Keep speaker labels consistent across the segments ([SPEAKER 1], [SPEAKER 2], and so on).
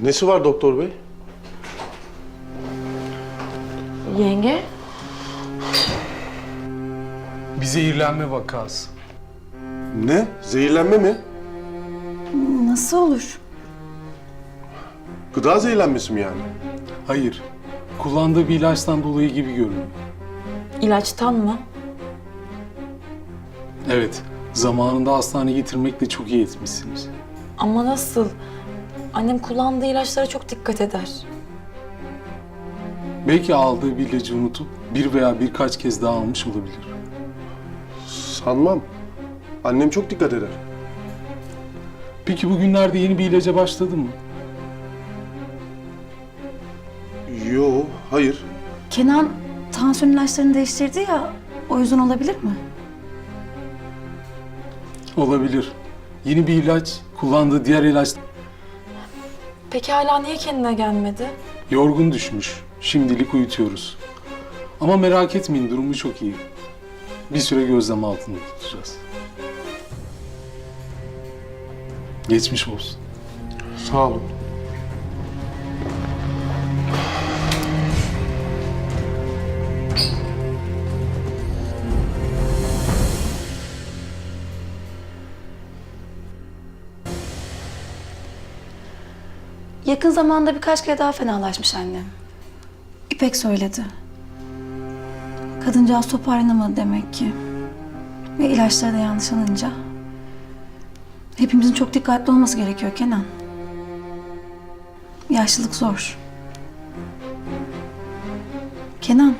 [SPEAKER 1] Nesi var doktor bey?
[SPEAKER 2] Yenge?
[SPEAKER 3] Bir zehirlenme vakası.
[SPEAKER 1] Ne? Zehirlenme mi?
[SPEAKER 2] Nasıl olur?
[SPEAKER 1] Gıda zehirlenmesi mi yani?
[SPEAKER 3] Hayır. Kullandığı bir ilaçtan dolayı gibi görünüyor.
[SPEAKER 2] İlaçtan mı?
[SPEAKER 3] Evet. Zamanında hastaneye getirmekle çok iyi etmişsiniz.
[SPEAKER 2] Ama nasıl? Annem kullandığı ilaçlara çok dikkat eder.
[SPEAKER 3] Belki aldığı bir ilacı unutup bir veya birkaç kez daha almış olabilir.
[SPEAKER 1] Sanmam. Annem çok dikkat eder.
[SPEAKER 3] Peki bugünlerde yeni bir ilaca başladı mı?
[SPEAKER 1] Yo, hayır.
[SPEAKER 4] Kenan tansiyon ilaçlarını değiştirdi ya, o yüzden olabilir mi?
[SPEAKER 3] Olabilir. Yeni bir ilaç, kullandığı diğer ilaç
[SPEAKER 2] Peki hala niye kendine gelmedi?
[SPEAKER 3] yorgun düşmüş. Şimdilik uyutuyoruz. Ama merak etmeyin, durumu çok iyi. Bir süre gözlem altında tutacağız. Geçmiş olsun.
[SPEAKER 1] Sağ olun.
[SPEAKER 4] Yakın zamanda birkaç kere daha fenalaşmış annem. İpek söyledi. Kadıncağız toparlanamadı demek ki. Ve ilaçları da yanlış alınca. Hepimizin çok dikkatli olması gerekiyor Kenan. Yaşlılık zor. Kenan.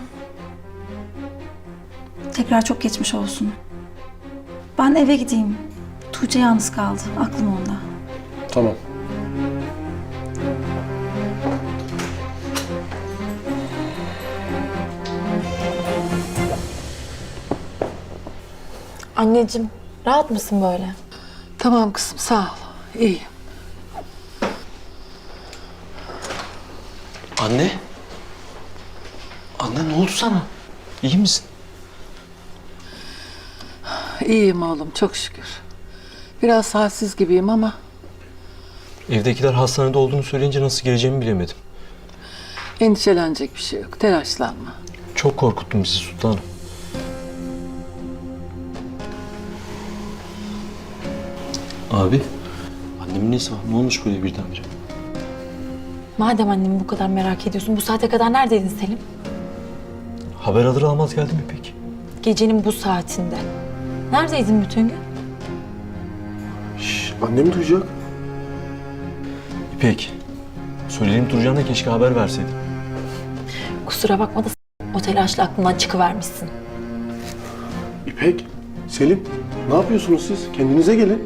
[SPEAKER 4] Tekrar çok geçmiş olsun. Ben eve gideyim. Tuğçe yalnız kaldı. Aklım onda.
[SPEAKER 1] Tamam.
[SPEAKER 2] Anneciğim, rahat mısın böyle?
[SPEAKER 5] Tamam kızım, sağ ol. İyiyim.
[SPEAKER 6] Anne? Anne ne oldu sana? İyi misin?
[SPEAKER 5] İyiyim oğlum, çok şükür. Biraz halsiz gibiyim ama
[SPEAKER 6] Evdekiler hastanede olduğunu söyleyince nasıl geleceğimi bilemedim.
[SPEAKER 5] endişelenecek bir şey yok. Telaşlanma.
[SPEAKER 6] Çok korkuttum bizi sultanım. Abi, annemin nesi var? Ne olmuş böyle birdenbire?
[SPEAKER 2] Madem annemi bu kadar merak ediyorsun, bu saate kadar neredeydin Selim?
[SPEAKER 6] Haber alır almaz geldi mi peki?
[SPEAKER 2] Gecenin bu saatinde. Neredeydin bütün gün?
[SPEAKER 1] Şş, annem duyacak.
[SPEAKER 6] İpek, söylediğim duracağına keşke haber verseydin.
[SPEAKER 2] Kusura bakma da o telaşla aklından çıkıvermişsin.
[SPEAKER 1] İpek, Selim, ne yapıyorsunuz siz? Kendinize gelin.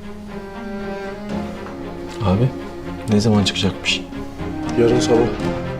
[SPEAKER 6] Abi, ne zaman çıkacakmış?
[SPEAKER 1] Yarın sabah.